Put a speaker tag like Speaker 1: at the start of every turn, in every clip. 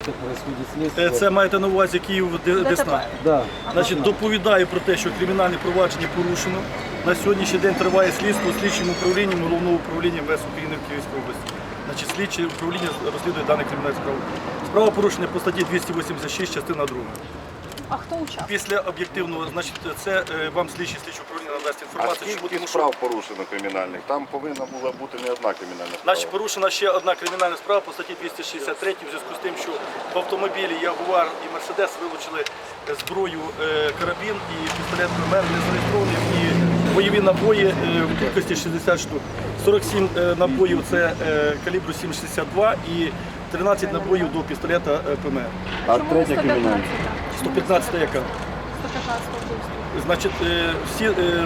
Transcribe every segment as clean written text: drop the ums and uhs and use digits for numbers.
Speaker 1: Це маєте на увазі Київ Десна?
Speaker 2: Да.
Speaker 1: Значить, доповідаю про те, що кримінальне провадження порушено. На сьогоднішній день триває слідство слідчим управлінням Головного управління МВС України в Київській області. Значить, слідче управління розслідує дане кримінальне справу. Справа порушена по статті 286, частина 2.
Speaker 3: А хто учасник?
Speaker 1: Після об'єктивного, значить, це вам слідче управління надасть
Speaker 4: А
Speaker 1: інформацію.
Speaker 4: скільки справ порушено кримінальних? Там повинна була бути не одна кримінальна справа.
Speaker 1: Значить, порушена ще одна кримінальна справа по статті 263 в зв'язку з тим, що в автомобілі Ягуар і Мерседес вилучили зброю, карабін і пістолет ПМР, не зареєстровані, і бойові набої в кількості 60 штук. 47 набоїв це калібру 7,62 і 13 набоїв до пістолета ПМР.
Speaker 4: А
Speaker 3: Чому
Speaker 4: третя кримінальна?
Speaker 1: 115 яка?
Speaker 3: 115 вбивство.
Speaker 1: Значить, всі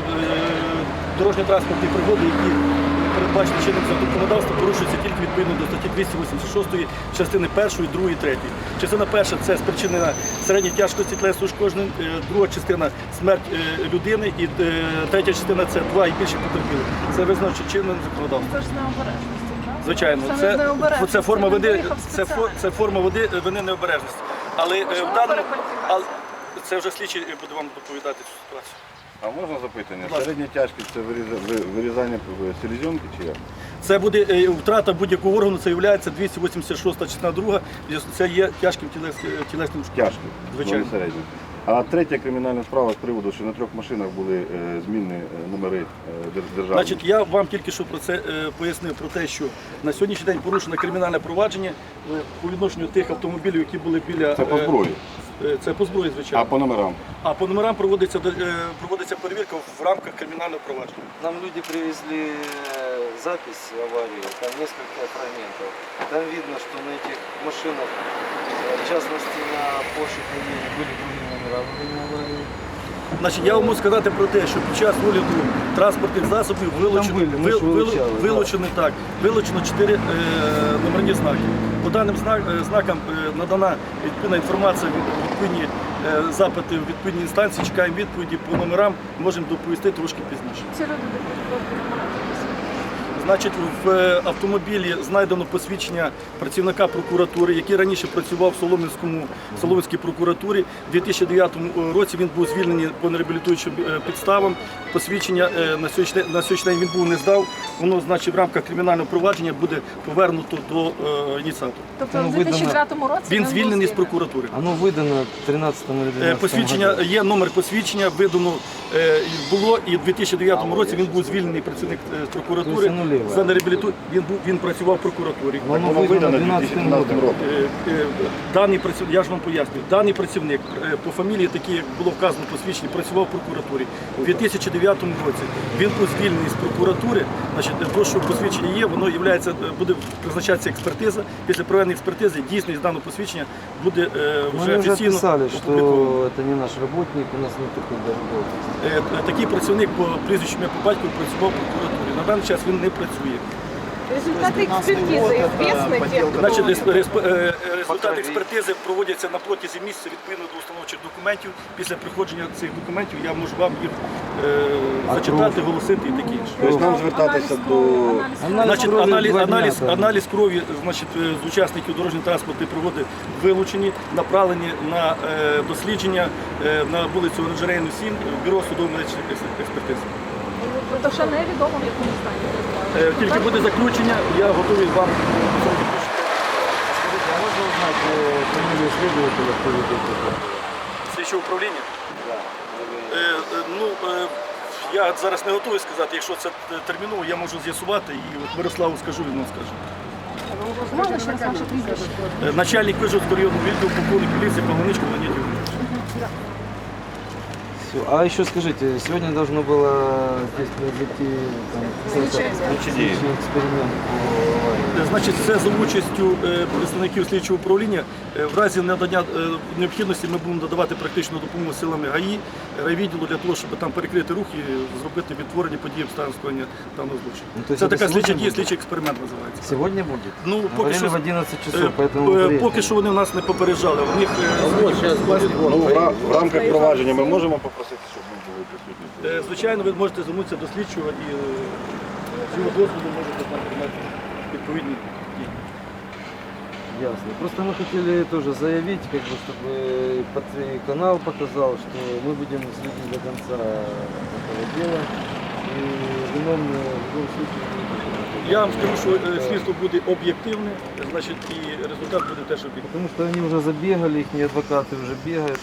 Speaker 1: дорожньо-транспортні пригоди, які передбачені чинним законодавством, порушуються тільки відповідно до статті 286 частини 1, 2, 3. Частина 1 – це спричинена середньої тяжкості тілесних ушкоджень, друга частина – смерть людини, і третя частина – це 2 і більше потерпілих. Це визначено чинним законодавством.
Speaker 3: Це ж з необережності, правда?
Speaker 1: Звичайно,
Speaker 3: Це необережність.
Speaker 1: це форма
Speaker 3: Він
Speaker 1: вини,
Speaker 3: виїхав спеціально.
Speaker 1: це форма вини необережності. Але
Speaker 3: Можливо,
Speaker 1: в даному,
Speaker 3: перекваліфікація.
Speaker 1: це вже слідчий буде вам доповідати цю ситуацію.
Speaker 4: А можна запитання?
Speaker 1: Будь ласка.
Speaker 4: Середня тяжкість це вирізання селезенки чи як?
Speaker 1: Це буде втрата будь-якого органу, це є 286 частина 2, це є тяжким тілесним ушкодженням.
Speaker 4: Тяжко,
Speaker 1: Звичайно.
Speaker 4: не середня. А третя кримінальна справа з приводу, що на 3 машинах були змінні номери державні.
Speaker 1: Значить, я вам тільки що про це пояснив, про те, що на сьогоднішній день порушено кримінальне провадження по відношенню тих автомобілів, які були біля...
Speaker 4: Це по зброї,
Speaker 1: Це по зброї, звичайно.
Speaker 4: а по номерам?
Speaker 1: А по номерам проводиться перевірка в рамках кримінального провадження.
Speaker 2: Нам люди привезли запись аварии, там несколько фрагментов. Там видно, что на этих машинах, в частности на Porsche Cayenne, были другие номера во время аварии.
Speaker 1: Значить, я вам можу сказати про те, що під час огляду транспортних засобів вилучено 4 номерні знаки. По даним знакам надана відповідна інформація, відповідні запити в відповідній інстанції, чекаємо відповіді по номерам, можемо доповісти трошки пізніше.
Speaker 3: Ці люди
Speaker 1: Значить, в автомобілі знайдено посвідчення працівника прокуратури, який раніше працював в Солом'янській прокуратурі. У 2009 році він був звільнений по нереабілітуючим підставам. Посвідчення на сьогоднішній день він був не здав. Воно, значить, в рамках кримінального провадження буде повернуто до ініціатора.
Speaker 3: Тобто в 2009 році
Speaker 1: Він звільнений з прокуратури.
Speaker 2: Оно выдано в 13 или 12
Speaker 1: Посвідчення, є номер посвідчення, видано було, і в 2009 році він був звільнений працівник з прокуратури. За нереабіліту... він працював в прокуратурі.
Speaker 2: Воно
Speaker 4: Воно видано в
Speaker 2: 12
Speaker 4: 2017 році.
Speaker 1: Даний працівник, я ж вам пояснюю, даний працівник по фамілії, такі як було вказано посвідчення, працював в прокуратурі. У 2009 році він був звільнений з прокуратури. Значить, то, що посвідчення є, воно буде призначатися експертиза. Після проведення експертизи дійсність даного посвідчення буде вже
Speaker 2: уже
Speaker 1: офіційно
Speaker 2: писали, что
Speaker 1: опубліковано.
Speaker 2: это не наш работник, у нас нет такой работы.
Speaker 1: Такий працівник по прізвищу ім'я по батькові працював в прокуратурі. На даний час він не працює.
Speaker 3: Результати експертизи известны?
Speaker 1: Значить, результати експертизи проводяться на протязі місяця відповідно до установчих документів. Після приходження цих документів я можу вам їх зачитати, оголосити і таке інше.
Speaker 4: Тобто нам звертатися до...
Speaker 1: Значить,
Speaker 2: крові 2 дня,
Speaker 1: аналіз крові, значить, з учасників дорожньо-транспортної пригоди вилучені, направлені на дослідження на вулицю Оранжерейну 7, бюро судово-медичних експертиз.
Speaker 3: Тобто ще невідомо, в якому стані.
Speaker 1: Тільки буде заключення, я готовий вам.
Speaker 2: Скажите, а можно узнать фамилию следователя, кто ведет это?
Speaker 1: Слідчого управління? Я зараз не готовий сказати, якщо це терміново, я можу з'ясувати і от Мирославу скажу, він вам скаже.
Speaker 3: Можна ще раз ваше прізвище?
Speaker 1: Начальник Вижгородського районного відділу, полковник поліції Павлоничко Леонід Ігорович.
Speaker 2: А еще скажите, сегодня должно было здесь произойти следственный эксперимент по аварии.
Speaker 1: Значить, це за участю представників слідчого управління. В разі надання необхідності ми будемо надавати практичну допомогу силами ГАІ, райвідділу для того, щоб там перекрити рух і зробити відтворення подій обставин скоєння даного злочину.
Speaker 2: Ну, то есть
Speaker 1: Це
Speaker 2: это
Speaker 1: така слідча
Speaker 2: сегодня
Speaker 1: дія,
Speaker 2: будет?
Speaker 1: слідчий експеримент називається.
Speaker 2: Сегодня будет?
Speaker 1: Ну, поки
Speaker 2: Говорили
Speaker 1: що,
Speaker 2: в 11 часов, поэтому
Speaker 1: поки що вони нас не попереджали. У них
Speaker 4: Ну, в рамках провадження ми можемо попросити, щоб ми були присутні?
Speaker 1: звичайно, ви можете звернутися до слідчого і з його дозволу можете там приймати відповідні дії.
Speaker 2: Ясно. Просто мы хотели тоже заявить, как бы, чтобы канал показал, что мы будем следить до конца этого дела. И виновные в любом случае не будут.
Speaker 1: Я вам скажу, що слідство буде об'єктивне, значить, і результат буде теж об'єктивний.
Speaker 2: Потому что они уже забегали, их адвокаты уже бегают,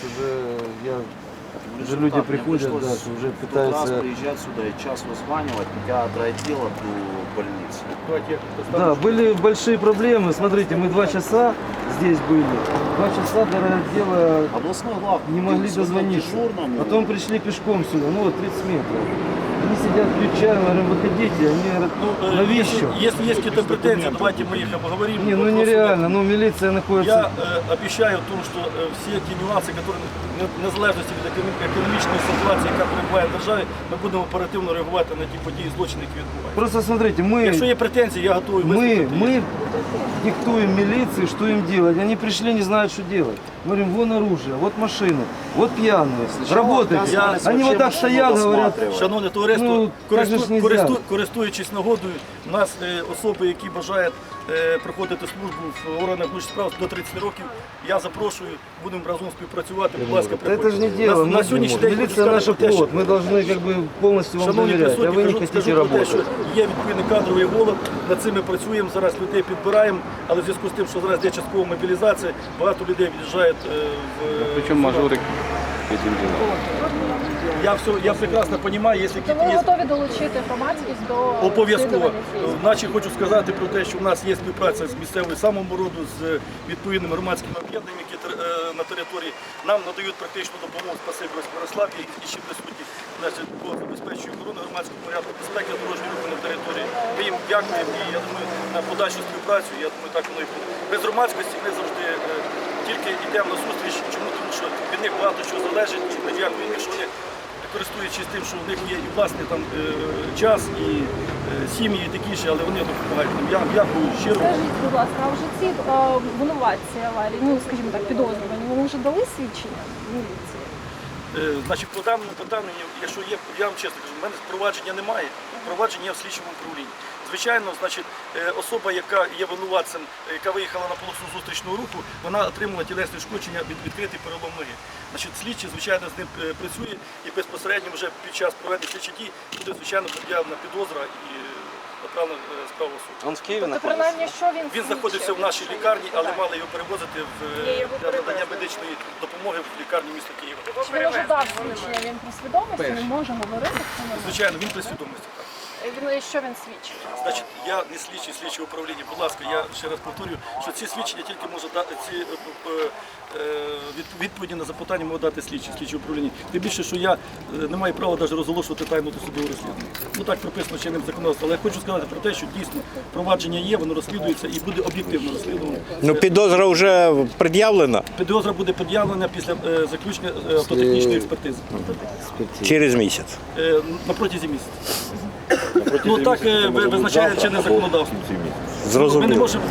Speaker 2: уже люди приходят, да, что уже
Speaker 5: Тот раз
Speaker 2: пытаются...
Speaker 5: приезжать сюда и час вызванивать, хотя от райотдела до больницы.
Speaker 1: Давайте я
Speaker 2: Да, были большие проблемы. Смотрите, мы 2 часа здесь были. 2 часа до райотдела
Speaker 5: Областной глав
Speaker 2: не могли
Speaker 5: звонил
Speaker 2: дозвониться.
Speaker 5: дежурному.
Speaker 2: Потом пришли пешком сюда, ну вот 30 метров. Они сидят, пьют чай, мы говорим, выходите. Они говорят, навіщо?
Speaker 1: Если есть какие-то претензии, давайте мы их обговорим.
Speaker 2: Не, ну
Speaker 1: Вопросов
Speaker 2: нереально,
Speaker 1: нет.
Speaker 2: ну милиция находится...
Speaker 1: Я обещаю в тому, що всі ті нюанси, які в незалежності від економічної ситуації, яка перебуває в державі, ми будемо оперативно реагувати на ті події, злочини, які відбуваються.
Speaker 2: Просто смотрите,
Speaker 1: Якщо
Speaker 2: мы,
Speaker 1: є претензії, я готовий вислухати.
Speaker 2: мы диктуем милиции, что им делать. Они пришли, не знают, что делать. Мы говорим, вон оружие, вот машины, вот пьяные, работайте.
Speaker 5: оказывались
Speaker 2: Они
Speaker 5: вообще
Speaker 2: вот так
Speaker 5: машину
Speaker 2: стоят, говорят,
Speaker 5: досматривать.
Speaker 1: Шановне товариство,
Speaker 2: Ну, так же ж нельзя.
Speaker 1: користуючись нагодою, у нас особи, які бажають проходити службу в органах внутрішніх справ до 30 років, я запрошую, будемо разом співпрацювати. Будь ласка,
Speaker 2: да это же не дело.
Speaker 1: На сьогоднішній день хочу
Speaker 2: Милиция наша
Speaker 1: сказати те, що,
Speaker 2: плод, мы должны как бы полностью вам
Speaker 1: шановні
Speaker 2: доверять, а
Speaker 1: присутні,
Speaker 2: вы не
Speaker 1: скажу
Speaker 2: хотите
Speaker 1: про те, що
Speaker 2: работать.
Speaker 1: є відповідний кадровий голод, над цим ми працюємо, зараз людей підбираємо, але в зв'язку з тим, що зараз є часткова мобілізація, багато людей від'їжджають в...
Speaker 6: Причем мажорик этим делом.
Speaker 1: Я прекрасно розумію, якщо
Speaker 3: То ви готові долучити громадськість до
Speaker 1: обов'язково.
Speaker 3: розслідування цієї справи?
Speaker 1: Наче хочу сказати про те, що в нас є співпраця з місцевою самообороною, з відповідними громадськими об'єднаннями, які на території нам надають практичну допомогу. Спасибі ось Мирославі і ще присутні, значить, по забезпеченню охорони громадського порядку, безпеки дорожнього руху на території. Ми їм дякуємо і я думаю, на подальшу співпрацю, я думаю, так воно і буде. Без громадськості ми завжди тільки йдемо на зустріч. Чому? Тому що від них багато чого залежить і ми дякуємо, що вони користуючись тим, що в них є і власний там час, і сім'ї, і такі ще, але вони допомагають нам. Я дякую щиро.
Speaker 3: Скажіть, будь ласка, а вже ці винуватці аварії, ну скажімо так, підозрювані, вони вже дали свідчення в міліції?
Speaker 1: Значить, по даному питанню, якщо є, я вам чесно кажу, в мене провадження немає, провадження є в слідчому управлінні. Звичайно, значить, особа, яка є винуватцем, яка виїхала на полосу зустрічного руху, вона отримала тілесне ушкодження від відкритий перелом ноги. Значить, слідчий, звичайно, з ним працює і безпосередньо вже під час проведення слідчих дій буде, звичайно, пред'явлена підозра і направлена справа в суд.
Speaker 2: Он в Киеве
Speaker 3: Тобто, принаймні, що він
Speaker 1: Він знаходився в нашій лікарні, але мали його перевозити для надання медичної допомоги в лікарню міста Києва.
Speaker 3: Чи він вже дав свідчення, він при свідомості, не може говорити в цьому?
Speaker 1: Звичайно, він при свідомості. Так.
Speaker 3: Що він свідчить?
Speaker 1: Значить, я не слідчий слідчого управління. Будь ласка, я ще раз повторюю, що ці свідчення тільки може дати ці відповіді на запитання може дати слідче управління. Тим більше, що я не маю права навіть розголошувати тайну досудового розслідування. Ну так прописано чинним законодавством. Але я хочу сказати про те, що дійсно провадження є, воно розслідується і буде об'єктивно розслідувано.
Speaker 7: Ну, підозра вже пред'явлена
Speaker 1: Підозра буде пред'явлена після заключення автотехнічної експертизи.
Speaker 7: через місяць.
Speaker 1: На протязі місяця. Ну так визначає чинне законодавство. Ми не
Speaker 7: Зрозуміло.
Speaker 1: можемо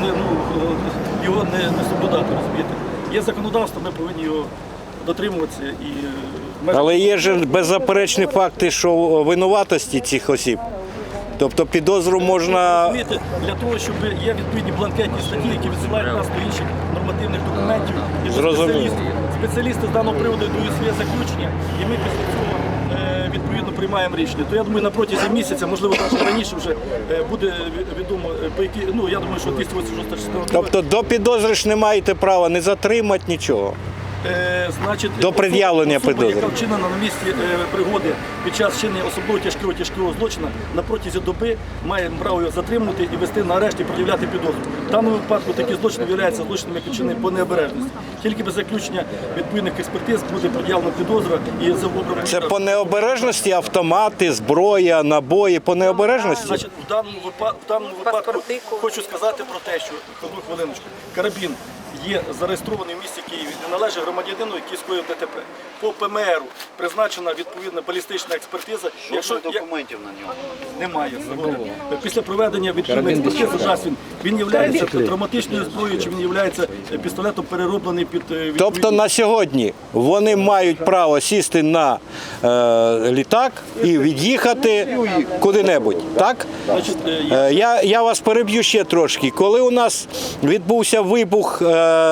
Speaker 1: його не соблюдати, розумієте. Є законодавство, ми повинні його дотримуватися.
Speaker 7: Але є ж беззаперечні факти, що винуватості цих осіб. Тобто підозру можна...
Speaker 1: Розумієте, для того, щоб є відповідні бланкетні статті, які відсилають нас до інших нормативних документів. І вже
Speaker 7: Зрозуміло.
Speaker 1: спеціалісти з даного приводу дають своє заключення, і ми після цього відповідно приймаємо рішення. То я думаю, на протязі місяця, можливо, навіть раніше вже буде відомо, по які, ну я думаю, що 286 частина.
Speaker 7: Тобто до підозри ж не маєте права не затримати нічого.
Speaker 1: Значить,
Speaker 7: До пред'явлення
Speaker 1: особа,
Speaker 7: підозри.
Speaker 1: яка вчинена на місці пригоди під час вчинення особливо тяжкого злочину, на протязі доби має право його затримувати і вести на арешт і пред'являти підозру. В даному випадку такий злочин є злочином, який вчинений по необережності. Тільки без заключення відповідних експертиз буде пред'явлена підозра і за образ.
Speaker 7: Це по необережності автомати, зброя, набої, по необережності?
Speaker 1: Значить, в даному випадку хочу сказати про те, що одну хвилиночку, карабін є зареєстрований в місті Києві, не належить громадянину, який скоїв ДТП. По ПМРу призначена відповідна балістична експертиза.
Speaker 5: Жодних документів на нього.
Speaker 1: Немає заводу. Після проведення відповідної експертизи дасть він є травматичною зброєю, чи він є пістолетом перероблений під відповідні...
Speaker 7: Тобто на сьогодні вони мають право сісти на літак і від'їхати куди-небудь, так?
Speaker 1: Значить,
Speaker 7: Я вас переб'ю ще трошки. Коли у нас відбувся вибух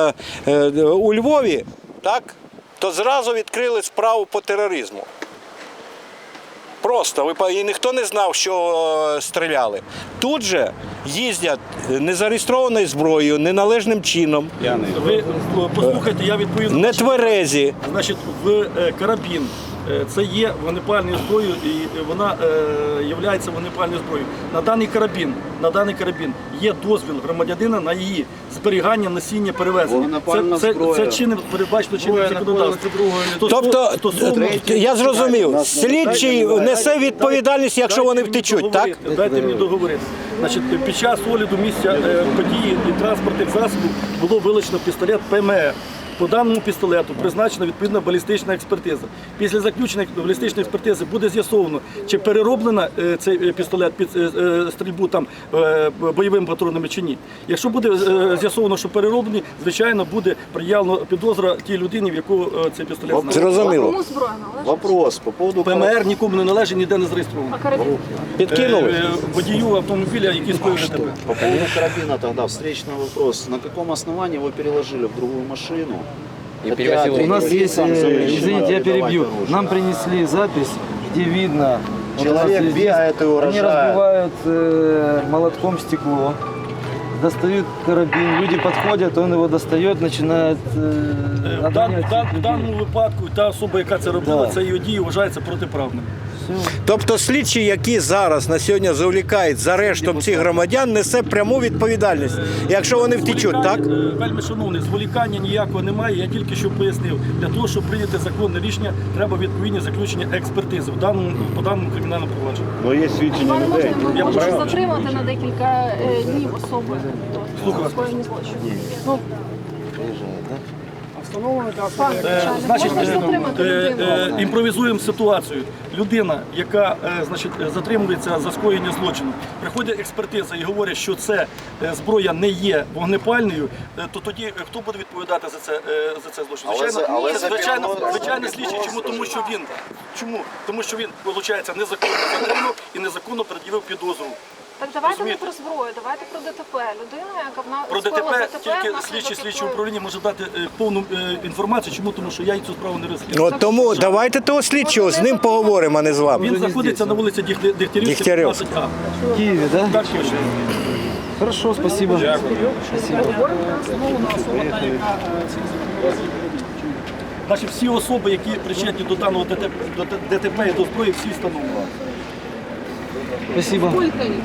Speaker 7: у Львові, так, то зразу відкрили справу по тероризму. Просто, і ніхто не знав, що стріляли. Тут же їздять незареєстрованою зброєю, неналежним чином,
Speaker 1: ви послухайте, я відповім.
Speaker 7: нетверезі.
Speaker 1: Значить, в карабін це є вогнепальною зброєю і вона є вогнепальною зброєю. На даний карабін є дозвіл громадянина на її зберігання, носіння, перевезення.
Speaker 5: Вогнепальна зброя.
Speaker 1: Це чинне передбачено чинним законодавством.
Speaker 7: Тобто, я зрозумів, слідчий несе відповідальність, якщо вони втечуть, так?
Speaker 1: Дайте мені договорити. Значить, під час огляду місця події і транспортних засобів було вилучено пістолет ПМР. По даному пістолету призначена відповідна балістична експертиза. Після заключення балістичної експертизи буде з'ясовано, чи перероблена цей пістолет під стрільбу там бойовими патронами чи ні. Якщо буде з'ясовано, що перероблений, звичайно, буде приявлено підозра тій людині, в яку цей пістолет знаходиться.
Speaker 7: Зрозуміло.
Speaker 3: Кому зброя належить?
Speaker 5: Вопрос по поводу...
Speaker 1: ПМР нікому не належить, ніде не зареєстровано.
Speaker 3: А карабін?
Speaker 7: Підкинули?
Speaker 1: Водію автомобіля, який скоїв ДТП.
Speaker 5: По поводу карабина тогда встречный вопрос. На каком основании его переложили в другую машину?
Speaker 2: У нас есть, извините, я перебью, нам принесли запись, где видно, вот у нас
Speaker 5: Человек
Speaker 2: есть
Speaker 5: бегает и
Speaker 2: они
Speaker 5: угрожает.
Speaker 2: разбивают молотком стекло, достают карабин, люди подходят, он его достает, начинает
Speaker 1: В даному випадку та особа, яка це робила,
Speaker 2: Да.
Speaker 1: це її дії вважається протиправним.
Speaker 7: Тобто слідчі, які зараз на сьогодні завлікають за арештом цих громадян, несе пряму відповідальність, якщо вони втечуть, так?
Speaker 1: Вельми шановний, зволікання ніякого немає, я тільки що пояснив. Для того, щоб прийняти законне рішення, треба відповідні заключення експертизи по даному кримінальному провадженню.
Speaker 4: Ну є свідчення
Speaker 3: Пане,
Speaker 4: людей.
Speaker 3: можна можна затримати на декілька днів особи
Speaker 1: Слухаю.
Speaker 3: скоєння злочину? Ну,
Speaker 1: Значить,
Speaker 3: можна ж затримати людину?
Speaker 1: імпровізуємо ситуацію. Людина, яка затримується за скоєння злочину, приходить експертиза і говорить, що це зброя не є вогнепальною, то тоді хто буде відповідати за це злочин? Звичайно, слідчий. Чому? Тому що він, виходить, незаконно затримав і незаконно пред'явив підозру.
Speaker 3: Так давайте не про зброю, давайте про ДТП. Людина, яка
Speaker 1: Про
Speaker 3: скоїла
Speaker 1: ДТП тільки слідчий слідчого управління може дати повну інформацію. Чому? Тому що я цю справу не розслідую.
Speaker 7: От тому давайте того слідчого, з ним поговоримо, а не з вами.
Speaker 1: Він знаходиться на вулиці Дегтярівській,
Speaker 7: Дегтярівська.
Speaker 1: 15А.
Speaker 2: в Киеве, да?
Speaker 1: Так точно.
Speaker 2: Хорошо, спасибо.
Speaker 1: Значить, всі особи, які причетні до даного ДТП і до зброї, всі встановлені.
Speaker 2: Спасибо.